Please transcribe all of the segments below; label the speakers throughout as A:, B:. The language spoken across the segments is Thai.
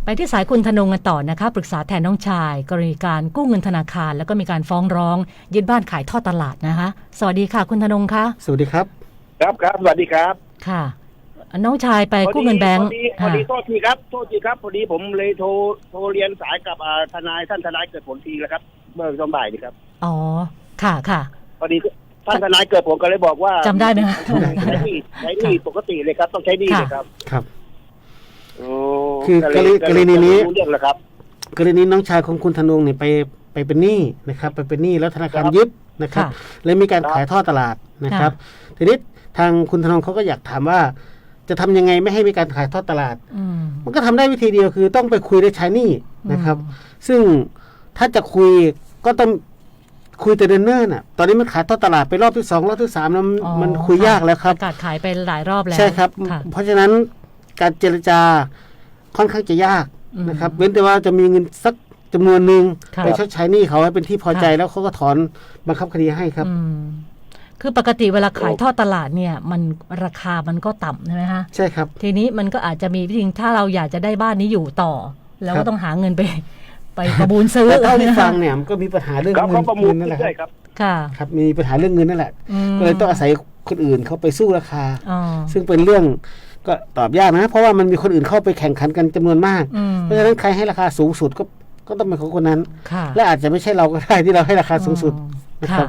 A: ที่สายคุณธนงกันต่อนะคะปรึกษาแทนน้องชายกรณีการกู้เงินธนาคารแล้วก็มีการฟ้องร้องยึดบ้านขายทอดตลาดนะคะสวัสดีค่ะคุณธนงคะ
B: สวัสดีครับ
C: ครับสวัสดีครับ
A: ค่ะน้องชายไปกู้เงินแบงก์
C: พอดีโทษทีครับพอดีผมเลยโทรเรียนสายกับท่านทนายเกิดผลทีแล้วครับเมื่อตอนบ่ายนี่ครับ
A: อ๋อค่ะ
C: พอดีท่านทนายเกิดผลก็เลยบอกว่า
A: จำได้ไหมคะ
C: ใช้หนี้ปกติเลยครับต้องใช้หนี้เลยครับ
B: ครับคือกรณีนี้
C: เรื่องแล้วครับ
B: กรณีน้องชายของคุณธนงเนี่ยไปเป็นหนี้นะครับไปเป็นหนี้แล้วธนาคารยึดนะครับเลยมีการขายทอดตลาดนะครับทีนี้ทางคุณธนงเขาก็อยากถามว่าจะทำยังไงไม่ให้มีการขายทอดตลาดมันก็ทำได้วิธีเดียวคือต้องไปคุยได้ใช้หนี้นะครับซึ่งถ้าจะคุยก็ต้องคุยแต่เนิ่นๆน่ะตอนนี้มันขายทอดตลาดไปรอบที่2รอบที่3แล้วมันคุยยากแล้วครับ
A: ประกาศขายไปหลายรอบแล้ว
B: ใช่ครับเพราะฉะนั้นการเจรจาค่อนข้างจะยากนะครับเว้นแต่ว่าจะมีเงินสักจำนวนหนึ่งไปชดใช้หนี้เขาให้เป็นที่พอใจแล้วเขาก็ถอนบังคับคดีให้ครับ
A: คือปกติเวลาขายทอดตลาดเนี่ยมันราคามันก็ต่ำใช่ไหมฮะ
B: ใช่ครับ
A: ทีนี้มันก็อาจจะมีวิธีถ้าเราอยากจะได้บ้านนี้อยู่ต่อแล้วก็ต้องหาเงินไปประมูลซื้อ
B: แต่เท่าที่ฟังเนี่ยมันก็มีปัญหาเรื่องเงินนั่นแหละ
C: ครับ
B: ครับมีปัญหาเรื่องเงินนั่นแหละก็เลยต้องอาศัยคนอื่นเขาไปสู้ราคาซึ่งเป็นเรื่องก็ตอบยากนะเพราะว่ามันมีคนอื่นเข้าไปแข่งขันกันจำนวนมากเพราะฉะนั้นใครให้ราคาสูงสุดก็ต้องเป็นของคนนั้นและอาจจะไม่ใช่เราก็ได้ที่เราให้ราคาสูงสุดนะครับ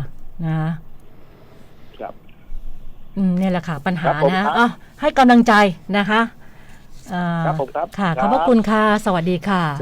C: นะครับ
A: นี่แหละค่ะปัญหานะให้กำลังใจนะคะ
C: ครับผมครับ
A: ค่ะขอบพระคุณค่ะสวัสดีค่ะ